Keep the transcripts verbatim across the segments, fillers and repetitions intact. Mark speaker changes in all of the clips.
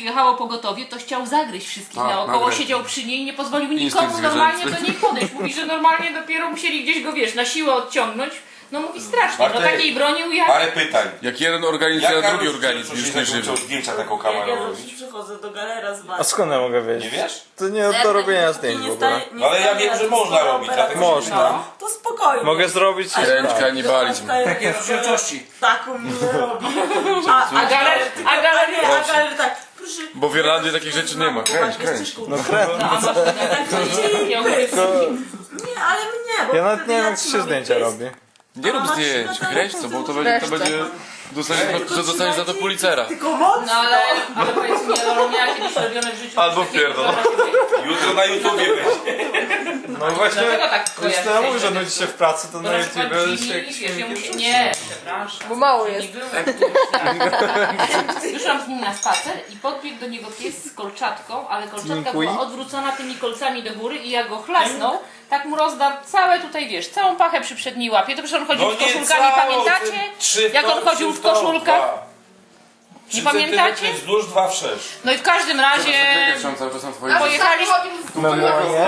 Speaker 1: przyjechało pogotowie, to chciał zagryźć wszystkich
Speaker 2: A,
Speaker 1: naokoło,
Speaker 2: nagrać.
Speaker 1: siedział przy niej, nie pozwolił
Speaker 2: Instynkt
Speaker 1: nikomu normalnie
Speaker 2: zwierzęcy.
Speaker 1: do niej podejść. Mówi, że normalnie dopiero musieli gdzieś go, wiesz, na siłę odciągnąć. No mówi strasznie, no
Speaker 3: Bartek,
Speaker 1: takiej bronił jak...
Speaker 3: Parę pytań.
Speaker 2: Jak jeden organizm,
Speaker 3: Jak
Speaker 2: a drugi
Speaker 3: Karol
Speaker 2: organizm
Speaker 3: Krzysztof
Speaker 2: już
Speaker 3: się
Speaker 2: nie żywy.
Speaker 3: nauczył zdjęcia taką
Speaker 4: Ja,
Speaker 3: kamerą
Speaker 4: ja zawsze
Speaker 3: robić?
Speaker 4: przychodzę do galera z
Speaker 5: A
Speaker 4: bani.
Speaker 5: skąd ja mogę
Speaker 3: Nie
Speaker 5: wiedzieć?
Speaker 3: wiesz?
Speaker 5: To nie do robienia zdjęć w ogóle.
Speaker 3: No ale ja wiem, że można robić, dlatego się
Speaker 5: Można.
Speaker 3: pytam.
Speaker 4: To spokojnie.
Speaker 5: Mogę zrobić i
Speaker 2: Chęć
Speaker 5: tak.
Speaker 2: kanibalizm.
Speaker 4: Takie
Speaker 6: rozdzielczości.
Speaker 4: Taką minę robi. A, a galer, a galer, a galer tak. Proszę.
Speaker 2: Bo w Irlandii takich rzeczy nie ma. Kręć, kręć.
Speaker 5: No kręt.
Speaker 1: No, a masz
Speaker 4: Tak to idzie.
Speaker 1: ja mówię,
Speaker 4: Nie, ale mnie, bo
Speaker 5: Ja nawet
Speaker 4: wtedy
Speaker 5: nie wiem,
Speaker 4: ja
Speaker 5: jak
Speaker 4: ci
Speaker 5: się
Speaker 4: mówię,
Speaker 5: zdjęcia
Speaker 4: to jest-
Speaker 5: robi.
Speaker 2: Nie rób zdjęć, kręć to, bo to będzie, to będzie dostaniesz, to dostaniesz za to policera.
Speaker 4: Tylko mocno.
Speaker 1: no ale, ale powiedz mi, ale miała kiedyś robione w życiu.
Speaker 2: Albo
Speaker 1: coś takiego,
Speaker 2: pierdol.
Speaker 1: że-
Speaker 3: Jutro na YouTubie będzie.
Speaker 5: No właśnie,
Speaker 1: Dlatego tak
Speaker 5: już
Speaker 1: kojarzę
Speaker 5: to ja mówię, że
Speaker 1: się,
Speaker 5: nudzi się w pracy, to
Speaker 1: Bo
Speaker 5: na
Speaker 1: na przykład
Speaker 5: YouTube
Speaker 1: Jimmy,
Speaker 5: się
Speaker 1: wiesz, ja mówię, nie, przepraszam.
Speaker 7: Bo mało
Speaker 1: Nie
Speaker 7: jest.
Speaker 1: było. Wyszłam z nim na spacer i podbiegł do niego pies z kolczatką, ale kolczatka
Speaker 5: Dziękuję.
Speaker 1: była odwrócona tymi kolcami do góry i jak go chlasnął, tak mu rozdarł całe tutaj, wiesz, całą pachę przy przedniej łapie. To przecież on chodził
Speaker 3: No
Speaker 1: z
Speaker 3: nie
Speaker 1: koszulkami,
Speaker 3: całą,
Speaker 1: pamiętacie?
Speaker 3: ty trzy w
Speaker 1: Jak on
Speaker 3: tą,
Speaker 1: chodził
Speaker 3: trzy
Speaker 1: w
Speaker 3: tą,
Speaker 1: koszulkach?
Speaker 3: dwa.
Speaker 1: Nie
Speaker 3: Trzy
Speaker 1: pamiętacie?
Speaker 3: centymetry wzdłuż, dwa wszerz.
Speaker 1: No i w każdym razie
Speaker 2: Chciałem cały czas na twoim...
Speaker 1: pojechaliśmy...
Speaker 5: Memorie.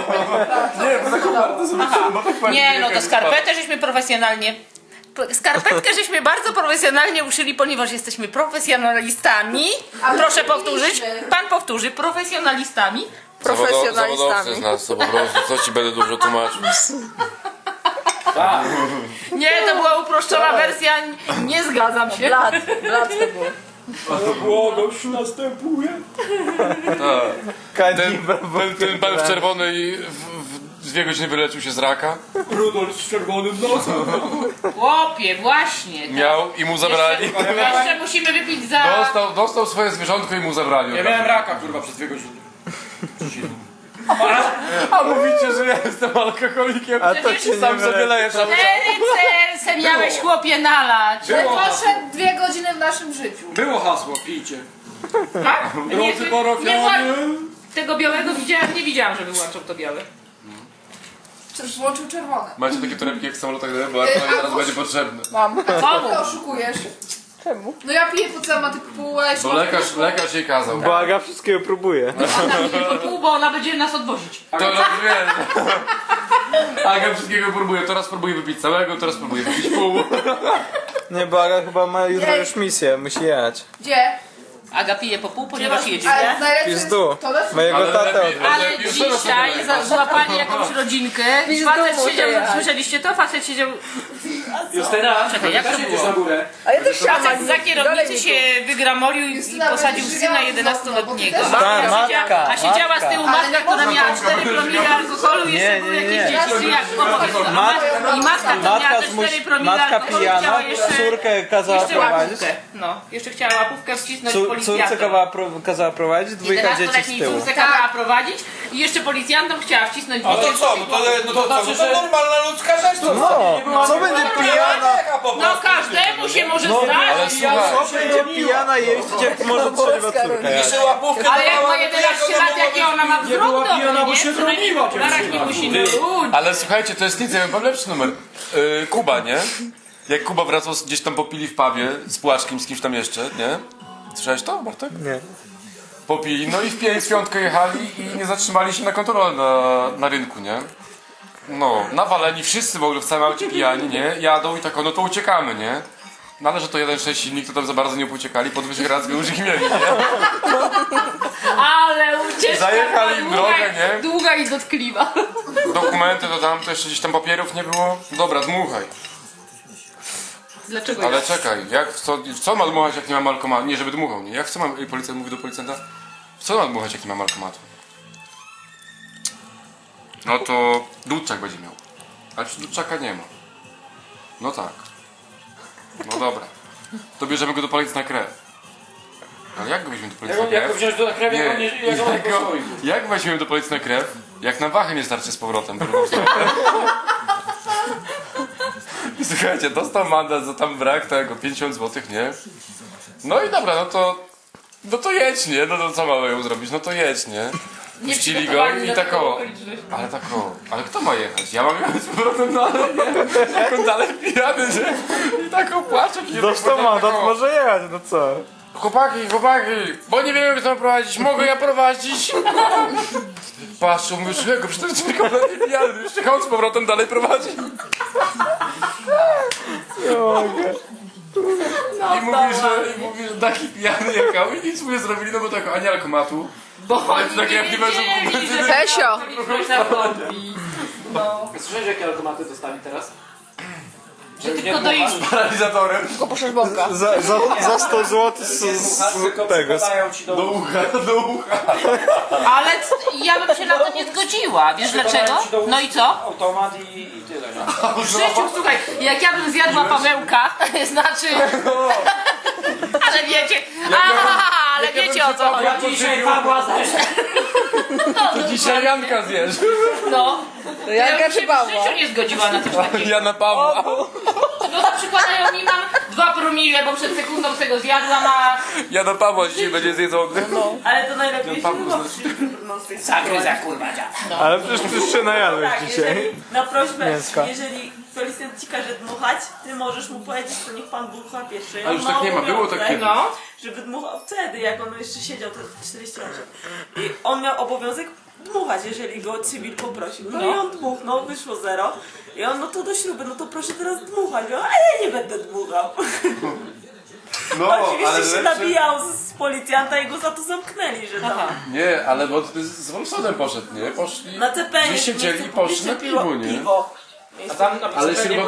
Speaker 1: Aha. Nie, no to skarpetę żeśmy profesjonalnie... Skarpetkę żeśmy bardzo profesjonalnie uszyli, ponieważ jesteśmy profesjonalistami. Proszę powtórzyć. Pan powtórzy. Profesjonalistami.
Speaker 2: Zawodowcy
Speaker 7: Profesjonalistami.
Speaker 2: z nas, to po prostu, co ci będę dużo tłumaczył.
Speaker 1: Nie, to była uproszczona wersja. Nie zgadzam się.
Speaker 7: Blat, blat to było.
Speaker 6: Błogość następuje.
Speaker 2: Ten,
Speaker 5: Kanibal,
Speaker 2: ten, ten pan w czerwonej w, w dwie godziny wyleczył się z raka,
Speaker 6: Rudolf z czerwonym nosem.
Speaker 1: Chłopie, właśnie.
Speaker 2: miał i mu zabrali.
Speaker 1: Jeszcze, jeszcze musimy wypić za...
Speaker 2: Dostał, dostał swoje zwierzątko i mu zabrali.
Speaker 6: Ja miałem raka, kurwa, przez dwie godziny.
Speaker 2: A mówicie, że ja jestem alkoholikiem.
Speaker 5: A to cię nie
Speaker 2: Sam sobie
Speaker 5: wyleczy.
Speaker 2: leję cały czas.
Speaker 1: Cztery se miałeś, chłopie, nalać.
Speaker 6: Było hasło.
Speaker 7: Poszedł dwie godziny w naszym życiu.
Speaker 6: Było hasło, pijcie.
Speaker 1: Tak?
Speaker 6: Drodzy
Speaker 1: nie,
Speaker 6: parafianie.
Speaker 1: tego białego widziałem, nie widziałam, że wyłączał to białe.
Speaker 7: Czy włączył czerwone?
Speaker 2: Macie takie torebki jak w samolotach, bo artylerii zaraz będzie potrzebny.
Speaker 7: Mam.
Speaker 1: Komu?
Speaker 7: Ty oszukujesz. Czemu? No ja piję po całym, a ty półeś.
Speaker 2: Bo lekarz, lekarz jej kazał.
Speaker 5: Bo Aga wszystkiego próbuje.
Speaker 1: Tylko pół, bo ona będzie nas odwozić.
Speaker 2: To rozumiem. Aga wszystkiego próbuje. Teraz próbuje wypić całego, teraz próbuje wypić pół.
Speaker 5: Nie, bo Aga chyba ma jutro
Speaker 7: Ej.
Speaker 5: już misję, musi jechać.
Speaker 7: Gdzie?
Speaker 1: Aga pije po pół, ponieważ jedzie.
Speaker 7: Ale najlepsze jest
Speaker 5: Pizdu.
Speaker 7: to, że...
Speaker 5: Mojego
Speaker 2: Ale
Speaker 5: tatę
Speaker 2: lepiej-
Speaker 5: odwiedził.
Speaker 1: Ale
Speaker 2: już
Speaker 1: dzisiaj
Speaker 2: teraz
Speaker 1: za- złapali jakąś rodzinkę.
Speaker 7: Pizdu
Speaker 1: Facet
Speaker 7: muszę
Speaker 1: siedział,
Speaker 7: jechać.
Speaker 1: słyszeliście to? Facet siedział,
Speaker 6: Justyna,
Speaker 1: Czekaj, jak to
Speaker 6: też
Speaker 1: było?
Speaker 6: jedziesz na górę.
Speaker 7: A ja też chciałam.
Speaker 1: facet za kierownicy się wygramolił i
Speaker 7: Justyna,
Speaker 1: posadził
Speaker 7: będziesz
Speaker 1: syna
Speaker 7: żywiała
Speaker 1: jedenastoletniego.
Speaker 7: z okna, bo ty
Speaker 1: A
Speaker 7: też-
Speaker 5: Ta,
Speaker 1: siedziała,
Speaker 5: matka,
Speaker 1: a siedziała z tyłu
Speaker 7: matka.
Speaker 1: matka, która miała cztery promile alkoholu i jeszcze
Speaker 5: Nie,
Speaker 1: były
Speaker 5: nie,
Speaker 1: jakieś
Speaker 5: nie.
Speaker 1: dzieci, czy jak opowiedz to. A
Speaker 5: Mat-
Speaker 1: I matka, która miała
Speaker 5: Matka,
Speaker 1: te
Speaker 5: zmuś...
Speaker 1: cztery promile
Speaker 5: Matka
Speaker 1: alkoholu,
Speaker 5: pijana,
Speaker 1: chciała jeszcze,
Speaker 5: córkę kazała
Speaker 1: jeszcze
Speaker 5: prowadzić.
Speaker 1: łapówkę. No, jeszcze chciała łapówkę wcisnąć
Speaker 5: Cór,
Speaker 1: policjantom.
Speaker 5: córce kazała, pro, kazała prowadzić, dwójka dzieci z
Speaker 1: jedenastoletniej
Speaker 5: tyłu.
Speaker 1: córce kazała prowadzić i jeszcze policjantom chciała wcisnąć
Speaker 3: No to
Speaker 1: dzieci.
Speaker 3: co? No to, no to, co? No to normalna ludzka rzecz. To
Speaker 5: No, co będzie pijana?
Speaker 1: No każdemu się może zdarzyć.
Speaker 2: Ale słuchaj,
Speaker 5: Co będzie pijana jeździć, jak może trzeźwa córka jechać?
Speaker 3: Jeszcze łapówkę
Speaker 1: Ale jak ma
Speaker 3: dawała,
Speaker 1: jedenaście
Speaker 3: to
Speaker 1: lat, jakie ona ma wzrok
Speaker 6: była pijana,
Speaker 1: dobry,
Speaker 6: bo
Speaker 1: nie?
Speaker 6: się
Speaker 1: Przynajmniej
Speaker 6: broniła,
Speaker 1: w barach nie musi no ludzi.
Speaker 2: ale słuchajcie, to jest nic, ja mam lepszy numer. Yy, Kuba, nie? Jak Kuba wracał z- gdzieś tam popili w pubie z Płaczkiem, z kimś tam jeszcze, nie? Słyszałeś to, Bartek?
Speaker 5: Nie.
Speaker 2: Popili, no i w pięć, w piątkę jechali i nie zatrzymali się na kontrolę na, na rynku, nie? No, nawaleni wszyscy w ogóle w całym aucie pijani, nie? Jadą i tak, o, no to uciekamy, nie? No ale że to jeden sześć silnik, to tam za bardzo nie uciekali, pod Wyszehradzką już ich mieli, nie?
Speaker 1: Ale ucieczka
Speaker 2: Zajechali
Speaker 1: była
Speaker 2: im
Speaker 1: długa,
Speaker 2: drogę, nie?
Speaker 1: długa i dotkliwa.
Speaker 2: Dokumenty to tam, to jeszcze gdzieś tam papierów nie było. Dobra, dmuchaj.
Speaker 1: Dlaczego
Speaker 2: Ale
Speaker 1: ja?
Speaker 2: czekaj, jak, w, co, w co ma dmuchać, jak nie ma alkomatu? Nie, żeby dmuchał, nie? Jak w co ma, policjant mówi do policjanta? W co ma dmuchać, jak nie ma alkomatu? No to Dudczak będzie miał. Ale przecież Dudczaka nie ma. No tak. No dobra. To bierzemy go do policji na krew. Ale jak go weźmiemy do policji na
Speaker 6: Jak, jak go
Speaker 2: krew?
Speaker 6: wziąć do krew, jak on nie, jak on
Speaker 2: jak,
Speaker 6: nie
Speaker 2: go,
Speaker 6: stoi.
Speaker 2: jak weźmiemy do policji na krew, jak na wachę nie starczy z powrotem. drugą stronę? Słuchajcie, dostał mandat za tam brak tego, pięćdziesiąt złotych, nie? No i dobra, no to... No to jedź, nie? No to co mamy ją zrobić? No to jedź, nie?
Speaker 1: Nie
Speaker 2: Puścili go
Speaker 1: przygotowani
Speaker 2: i
Speaker 1: na
Speaker 2: tak
Speaker 1: taką
Speaker 2: o.
Speaker 1: okoliczność.
Speaker 2: Ale tak o. Ale kto ma jechać? Ja mam jechać z powrotem dalej, nie? Jak on dalej pijany, że... I tak o płacze.
Speaker 5: Dostał mandat, może jechać, no co?
Speaker 2: chłopaki, chłopaki, bo nie wiem jak to prowadzić, mogę ja prowadzić? Patrzą, mówię, czego, przecież to jest kompletnie pijany, jeszcze chodź z powrotem dalej prowadzi. I mówi, że, i mówi, że taki pijany jechał i nic mu nie zrobili, no bo tak anielko ma tu.
Speaker 1: Bo
Speaker 2: Ale
Speaker 1: oni
Speaker 2: tak
Speaker 1: nie
Speaker 2: jak nie będą
Speaker 1: wiedzieli, że
Speaker 7: Pesio.
Speaker 1: ktoś zachodzi.
Speaker 6: Słyszałeś jakie automaty dostali teraz?
Speaker 1: Że tylko do ich...
Speaker 2: Paralizatorem.
Speaker 7: Tylko poszesz bąka.
Speaker 5: Za, za, za sto złotych z, z, z tego. Z,
Speaker 3: ci do
Speaker 2: Do ucha, do ucha.
Speaker 1: Ale c- ja bym się na to nie zgodziła. Wiesz dlaczego? No i co?
Speaker 3: automat i, i tyle. Nie?
Speaker 1: W życiu, słuchaj, jak ja bym zjadła Pawełka, znaczy... Ale wiecie, aha, ale wiecie o co chodzi.
Speaker 6: Dzisiaj Pawła też.
Speaker 1: No,
Speaker 2: Dzisiaj Janka zjesz.
Speaker 1: no. Ja
Speaker 7: Janka
Speaker 1: bym się
Speaker 7: czy
Speaker 1: w
Speaker 7: Pawła?
Speaker 1: życiu nie zgodziła na coś takiego.
Speaker 2: Jana Pawła.
Speaker 1: No na przykład ja mi mam dwa promile, bo przed sekundą z tego zjadłam, a...
Speaker 2: Jana Pawła dzisiaj będzie zjedzony.
Speaker 4: Ale to najlepiej się
Speaker 2: Paweł
Speaker 4: chyba
Speaker 2: znaczy.
Speaker 4: no, z tej
Speaker 1: Zagryza, kurwa, dziad.
Speaker 5: ale przecież ty już się najadłeś
Speaker 4: Tak,
Speaker 5: dzisiaj.
Speaker 4: jeżeli, na prośbę,
Speaker 5: Mięska.
Speaker 4: jeżeli policjant ci każe dmuchać, ty możesz mu powiedzieć, to niech pan dmucha pierwszy.
Speaker 2: A już tak nie ma, było tak kiedyś.
Speaker 1: No.
Speaker 4: Żeby dmuchał wtedy, jak on jeszcze siedział, to czterdzieści osiem. I on miał obowiązek dmuchać, jeżeli go cywil poprosił. No, i on dmuchnął, wyszło zero. I on, no to do śruby, no to proszę teraz dmuchać. Ja, a ja nie będę dmuchał.
Speaker 2: No,
Speaker 4: Oczywiście się nabijał z, z policjanta i go za to zamknęli, że tam
Speaker 2: Nie, ale bo ty z Wolfsonem poszedł, nie? Poszli.
Speaker 4: na C P
Speaker 2: Gdzieś siedzieli i poszli na piwo, nie?
Speaker 4: piwo.
Speaker 6: A tam na
Speaker 2: Ale
Speaker 6: przykład
Speaker 2: śruba